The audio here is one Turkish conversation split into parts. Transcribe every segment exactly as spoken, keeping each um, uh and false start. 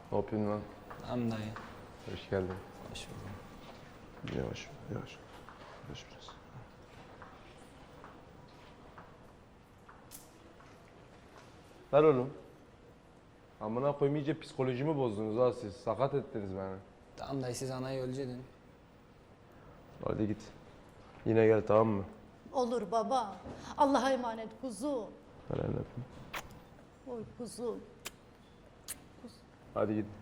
Ne yapıyorsun lan? Tamam dayı. Hoş geldin. Hoş bulduk. Yavaş, yavaş. Yavaş biraz. Ver oğlum. Amına koyayım iyice psikolojimi bozdunuz ha siz. Sakat ettiniz beni. Tamam dayı siz anayı ölecektin. Hadi git. Yine gel tamam mı? Olur baba. Allah'a emanet kuzum. Ver elini öpeyim. Oy kuzum. Hadi git.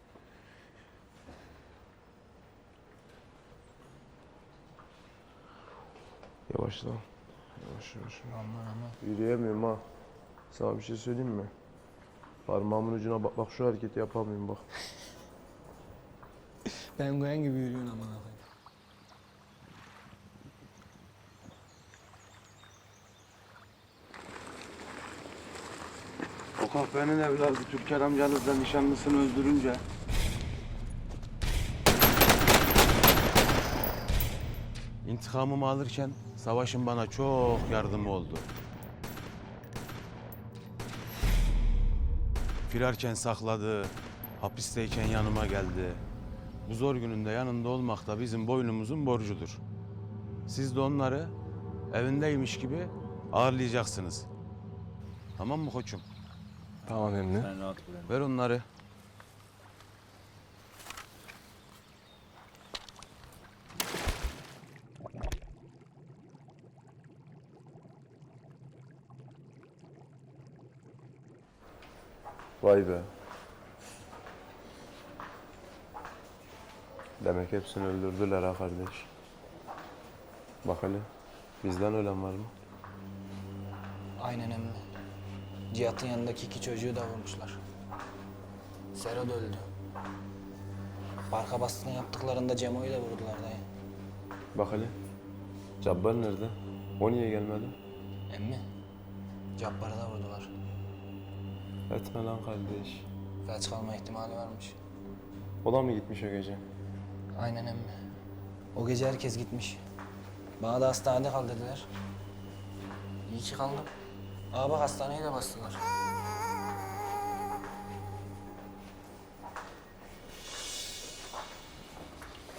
Yavaş lan. Yavaş yavaş. Aman aman. Yürüyemiyorum ha. Sana bir şey söyleyeyim mi? Parmağımın ucuna bak, bak şu hareketi yapamıyorum bak. Ben koyan gibi yürüyorsun aman aman. O kahvenin evladı Türker amcanızla nişanlısını öldürünce İntikamımı alırken Savaş'ın bana çok yardımı oldu. Firarken sakladı, hapisteyken yanıma geldi. Bu zor gününde yanında olmak da bizim boynumuzun borcudur. Siz de onları evindeymiş gibi ağırlayacaksınız. Tamam mı koçum? Tamam emmi. Sen rahat bırak. Ver onları. Vay be. Demek hepsini öldürdüler ha kardeş. Bak hele, bizden ölen var mı? Aynen emmi. Cihat'ın yanındaki iki çocuğu da vurmuşlar. Sero da öldü. Barka baskını yaptıklarında Cemo'yu da vurdular dayı. Bak hele, Cabbar nerede? O niye gelmedi? Emmi, Cabbar'ı da vurdular. Etme lan kardeş. Felç kalma ihtimali varmış. O da mı gitmiş o gece? Aynen emmi. O gece herkes gitmiş. Bana da hastanede kal dediler. İyi ki kaldım. Aa bak hastaneyi de bastılar.